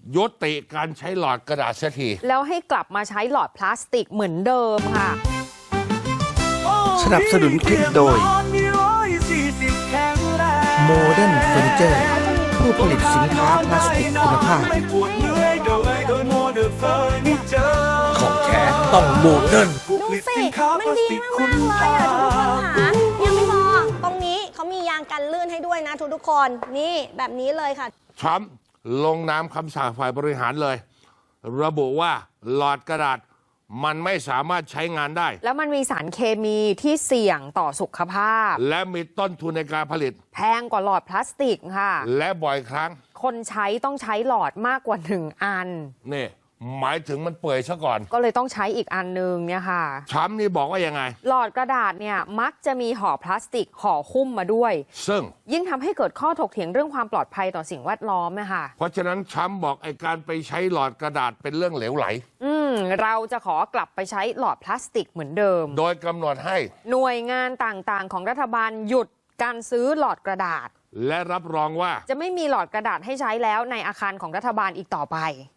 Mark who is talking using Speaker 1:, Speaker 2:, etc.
Speaker 1: ยุติการใช้หลอดกระดาษเสียที
Speaker 2: แล้วให้กลับมาใช้หลอดพลาสติกเหมือนเดิมค่ะ
Speaker 3: สนับสนุนคลิปโดย Modern Furniture ผู้ผลิตสินค้าพลาสติกคุณภาพ
Speaker 4: ของแท้ต้องโมเดิร์น
Speaker 5: ดูสิมันดีมากๆเลยอ่ะทุกคนค่ะยังไม่พอตรงนี้เขามียางกันลื่นให้ด้วยนะทุกคนนี่แบบนี้เลยค่ะ
Speaker 1: ทรัมป์ลงนามคำสั่งฝ่ายบริหารเลย ระบุว่าหลอดกระดาษมันไม่สามารถใช้งานได้
Speaker 2: แล้วมันมีสารเคมีที่เสี่ยงต่อสุขภาพ
Speaker 1: และมีต้นทุนในการผลิต
Speaker 2: แพงกว่าหลอดพลาสติกค่ะ
Speaker 1: และบ่อยครั้ง
Speaker 2: คนใช้ต้องใช้หลอดมากกว่า1 อัน
Speaker 1: นี่หมายถึงมันเปื่อยซะก่อน
Speaker 2: ก็เลยต้องใช้อีกอันนึงเนี่ยค่ะ
Speaker 1: ทรัมป์นี่บอกว่ายังไง
Speaker 2: หลอดกระดาษเนี่ยมักจะมีห่อพลาสติกห่อหุ้มมาด้วย
Speaker 1: ซึ่ง
Speaker 2: ยิ่งทำให้เกิดข้อถกเถียงเรื่องความปลอดภัยต่อสิ่งแวดล้อมนะคะ
Speaker 1: เพราะฉะนั้นทรัมป์บอกไอ้การไปใช้หลอดกระดาษเป็นเรื่องเหลวไหล
Speaker 2: เราจะขอกลับไปใช้หลอดพลาสติกเหมือนเดิม
Speaker 1: โดยกำหนดให้
Speaker 2: หน่วยงานต่างๆของรัฐบาลหยุดการซื้อหลอดกระดาษ
Speaker 1: และรับรองว่า
Speaker 2: จะไม่มีหลอดกระดาษให้ใช้แล้วในอาคารของรัฐบาลอีกต่อไป